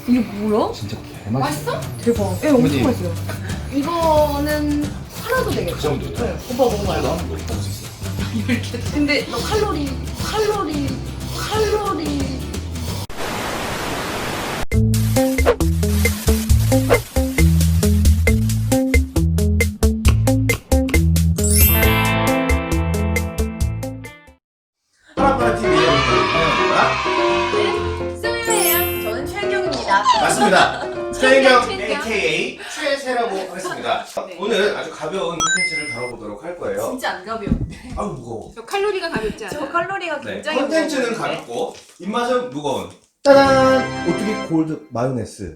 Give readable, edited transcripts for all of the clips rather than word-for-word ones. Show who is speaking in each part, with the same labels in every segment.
Speaker 1: 이게 뭐야?
Speaker 2: 진짜 개맛있어.
Speaker 3: 맛있어?
Speaker 1: 대박. 예, 엄청 맛있어요.
Speaker 3: 이거는 하나도
Speaker 2: 그
Speaker 3: 되겠다.
Speaker 2: 정도요?
Speaker 3: 네. 오빠 먹어봐요.
Speaker 2: 나도 먹을 수 있어.
Speaker 3: 근데 너 칼로리.
Speaker 2: 파라파라TV의 환영합니다.
Speaker 3: 쏘유예요. 저는 최경입니다.
Speaker 2: 맞습니다. 최인경
Speaker 3: 최인경.
Speaker 2: AKA 최세라고 하겠습니다.
Speaker 3: 네.
Speaker 2: 오늘 아주 가벼운 콘텐츠를 다뤄보도록 할 거예요.
Speaker 3: 진짜 안 가벼운데.
Speaker 2: 아우 무거워.
Speaker 4: 저 칼로리가 가볍지 않아?
Speaker 3: 저 칼로리가
Speaker 2: 네.
Speaker 3: 굉장히
Speaker 2: 콘텐츠는
Speaker 3: 무거운데?
Speaker 2: 가볍고 입맛은 무거운. 짜잔! 오뚜기 골드 마요네즈.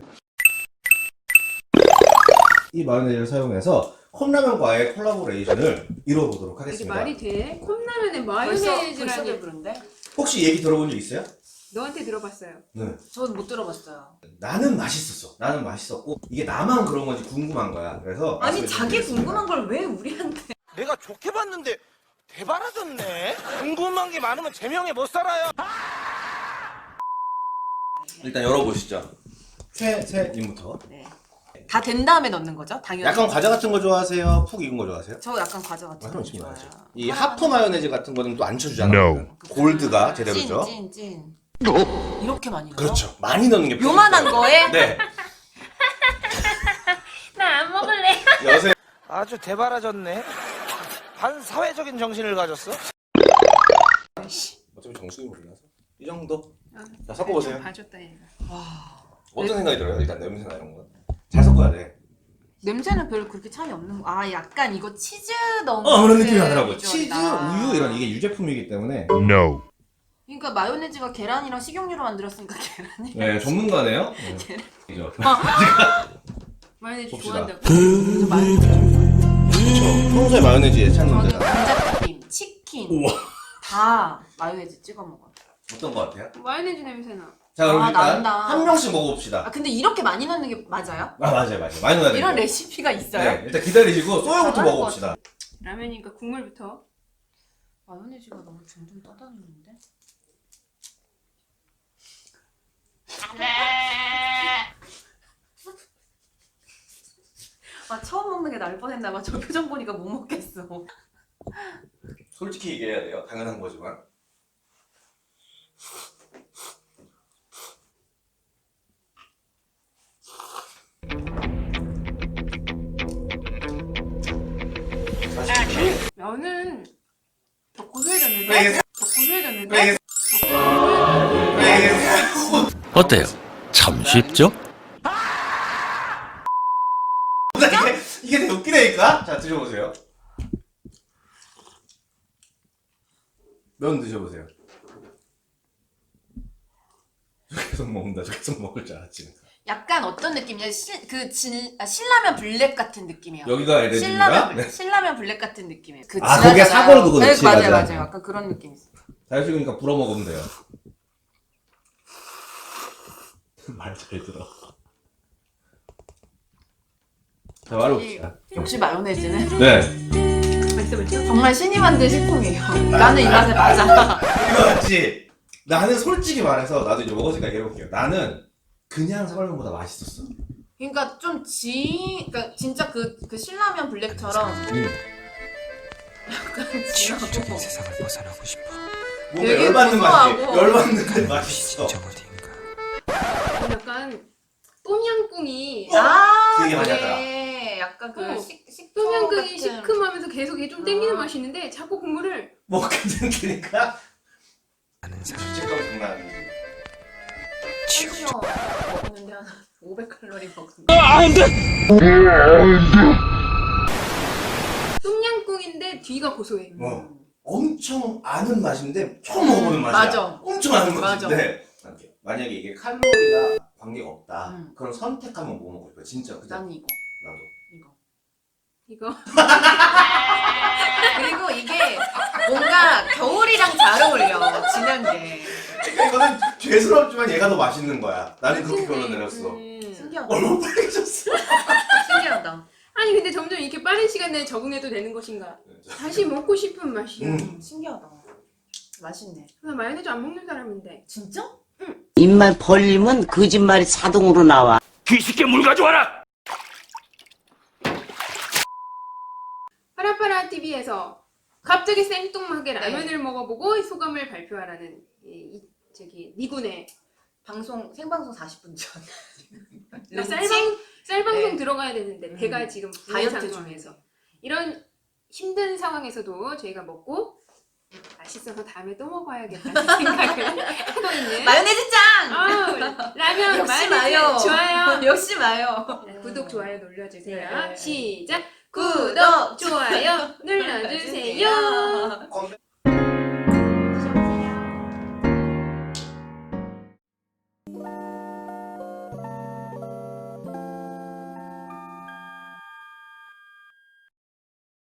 Speaker 2: 이 마요네즈를 사용해서 컵라면과의 콜라보레이션을 이뤄보도록
Speaker 4: 이게
Speaker 2: 하겠습니다.
Speaker 4: 말이 돼? 컵라면에
Speaker 3: 벌써
Speaker 4: 마요네즈라니.
Speaker 3: 배부른데?
Speaker 2: 혹시 얘기 들어본 적 있어요?
Speaker 4: 너한테 들어봤어요.
Speaker 2: 네.
Speaker 3: 저는 못 들어봤어요.
Speaker 2: 나는 맛있었어. 나는 맛있었고 이게 나만 그런 건지 궁금한 거야. 그래서
Speaker 3: 아니
Speaker 2: 말씀을
Speaker 3: 자기
Speaker 2: 드리겠습니다.
Speaker 3: 궁금한 걸 왜 우리한테?
Speaker 5: 내가 좋게 봤는데 대바라졌네. 궁금한 게 많으면 제명에 못 살아요.
Speaker 2: 일단 열어보시죠. 최세님부터.
Speaker 3: 네. 다 된 다음에 넣는 거죠? 당연히.
Speaker 2: 약간 과자 같은 거 좋아하세요? 푹 익은 거 좋아하세요?
Speaker 3: 저 약간 과자 같은 거
Speaker 2: 그럼 지금
Speaker 3: 좋아해요.
Speaker 2: 나와야죠. 이 하프 마요네즈 같은 거는 또 안 쳐주잖아요. 골드가 제대로죠.
Speaker 3: 찐. 이렇게 많이 넣어?
Speaker 2: 그렇죠. 많이 넣는 게
Speaker 3: 요만한 거에?
Speaker 2: 네.
Speaker 4: 나 안 먹을래.
Speaker 2: 여세.
Speaker 5: 아주 대바라졌네. 반사회적인 정신을 가졌어.
Speaker 2: 어차피 정수기 몰라서 이 정도. 자 섞어보세요.
Speaker 4: 봐줬다 얘가.
Speaker 2: 어떤 생각이 들어요? 일단 냄새나 이런 거. 잘 섞어야 돼.
Speaker 3: 냄새는 별로 그렇게 차이 없는 거. 아 약간 이거 치즈 넣은
Speaker 2: 그런 느낌이 나더라고.
Speaker 3: 비주얼이다.
Speaker 2: 치즈, 우유 이런 이게 유제품이기 때문에.
Speaker 6: No.
Speaker 3: 그러니까 마요네즈가 계란이랑 식용유로 만들었으니까 계란이.
Speaker 2: 네, 전문가네요. 네. 이죠.
Speaker 4: 마요네즈
Speaker 2: 봅시다.
Speaker 4: 좋아한다고.
Speaker 2: 그렇죠. 평소에 마요네즈에 찾는
Speaker 3: 저는
Speaker 2: 데다.
Speaker 3: 감자튀김, 치킨
Speaker 2: 우와.
Speaker 3: 다 마요네즈 찍어 먹어요.
Speaker 2: 어떤 거 같아요?
Speaker 4: 마요네즈 냄새나.
Speaker 2: 자 그럼
Speaker 3: 아,
Speaker 2: 일단
Speaker 3: 난다.
Speaker 2: 한 명씩 먹어봅시다.
Speaker 3: 아 근데 이렇게 많이 넣는 게 맞아요?
Speaker 2: 아 맞아요. 많이 넣어야 돼요.
Speaker 3: 이런 레시피가 있어요?
Speaker 2: 네, 일단 기다리시고 소요부터
Speaker 3: 잘할 것
Speaker 2: 먹어봅시다.
Speaker 4: 라면이니까 국물부터.
Speaker 3: 마요네즈가 너무 둥둥 떠다니는데? 아 처음 먹는 게 나을 뻔했나봐. 저 표정 보니까 못 먹겠어.
Speaker 2: 솔직히 얘기해야 돼요. 당연한 거지만.
Speaker 4: 면은 더 고소해졌는데?
Speaker 2: 네.
Speaker 4: 더 고소해졌는데?
Speaker 2: 네.
Speaker 6: 어때요? 참 쉽죠?
Speaker 2: 이게 되게 웃기다니까? 자 드셔보세요. 면 드셔보세요. 저 계속 먹는다. 저 계속 먹을 줄 알았지.
Speaker 3: 약간 어떤 느낌이냐? 신라면 블랙 같은 느낌이야.
Speaker 2: 여기가 LG인가? 네.
Speaker 3: 신라면 블랙 같은 느낌이에요. 그
Speaker 2: 아, 거기에
Speaker 3: 진하잖아요.
Speaker 2: 사골 그거
Speaker 3: 네,
Speaker 2: 넣지,
Speaker 3: 맞아요.
Speaker 2: 맞아.
Speaker 3: 약간 그런 느낌 있어.
Speaker 2: 잘 식으니까 불어 먹으면 돼요. 말 잘 들어. 자 말해봅시다.
Speaker 3: 역시 마요네즈는
Speaker 2: 네.
Speaker 4: 맛있어.
Speaker 3: 정말 신이 만든 식품이에요. 나는 이 맛에 맞아.
Speaker 2: 이거 맞지? 나는 솔직히 말해서 나도 이제 먹었으니까 얘기해볼게요. 나는 그냥 사골면보다 맛있었어.
Speaker 3: 그러니까 그러니까 진짜 그 신라면 블랙처럼 약간
Speaker 7: 지옥적인 세상을 벗어나고 싶어.
Speaker 2: 뭔가
Speaker 3: 되게
Speaker 2: 열받는 맛이
Speaker 3: 고소하고.
Speaker 2: 열받는 그 맛이 있어.
Speaker 7: 진정 어디인가.
Speaker 4: 약간 똠양꿍이
Speaker 2: 되게 많이
Speaker 3: 그래. 약간 그
Speaker 4: 어.
Speaker 3: 식초
Speaker 4: 똠양꿍이
Speaker 3: 같은.
Speaker 4: 시큼하면서 계속 이게 좀 땡기는 맛이 있는데 자꾸 국물을
Speaker 2: 먹게 되니까
Speaker 7: 아는 사람
Speaker 2: 죄책감 장난 아니지.
Speaker 7: 지옥적.
Speaker 3: 먹었는데 한 500칼로리 먹었는데.
Speaker 4: 똠양꿍인데 뒤가 고소해.
Speaker 2: 엄청 아는 맛인데 처음 먹어보는 맛이야.
Speaker 3: 맞아.
Speaker 2: 엄청 아는
Speaker 3: 맞아.
Speaker 2: 맛인데 만약에 이게 칼로리가 관계가 없다.
Speaker 3: 음.
Speaker 2: 그럼 선택하면 뭐 먹을 거야? 진짜 그죠?
Speaker 3: 난 이거.
Speaker 2: 나도.
Speaker 4: 이거.
Speaker 3: 그리고 이게 뭔가 겨울이랑 잘 어울려. 진한 게.
Speaker 2: 그러니까 이거는 죄스럽지만 얘가 더 맛있는 거야. 나는 그렇게
Speaker 4: 맛있네.
Speaker 2: 결론 내렸어.
Speaker 3: 신기하다.
Speaker 2: 얼마나 빨개졌어.
Speaker 3: 신기하다.
Speaker 4: 아니 근데 점점 이렇게 빠른 시간 내에 적응해도 되는 것인가? 다시 먹고 싶은 맛이야.
Speaker 2: 음.
Speaker 3: 신기하다. 맛있네.
Speaker 4: 나 마요네즈 안 먹는 사람인데.
Speaker 3: 진짜?
Speaker 4: 응.
Speaker 1: 입만 벌리면 거짓말이 자동으로 나와.
Speaker 6: 귀식게 물 가져와라.
Speaker 4: 파라파라 TV에서 갑자기 생뚱하게
Speaker 3: 네.
Speaker 4: 라면을 먹어보고 소감을 발표하라는 니군의
Speaker 3: 생방송 40분 전.
Speaker 4: 쌀방송
Speaker 3: 네.
Speaker 4: 들어가야 되는데 배가 지금 부는
Speaker 3: 다이어트
Speaker 4: 상황에서 이런 힘든 상황에서도 저희가 먹고 맛있어서 다음에 또 먹어야겠다는 생각을 하고 있는
Speaker 3: 마요네즈 짱!
Speaker 4: 라면
Speaker 3: 역시
Speaker 4: 마요네즈
Speaker 3: 마요.
Speaker 4: 좋아요.
Speaker 3: 역시 마요.
Speaker 4: 구독 좋아요 눌러주세요.
Speaker 3: 네.
Speaker 4: 시작.
Speaker 3: 구독,
Speaker 4: 좋아요 눌러주세요.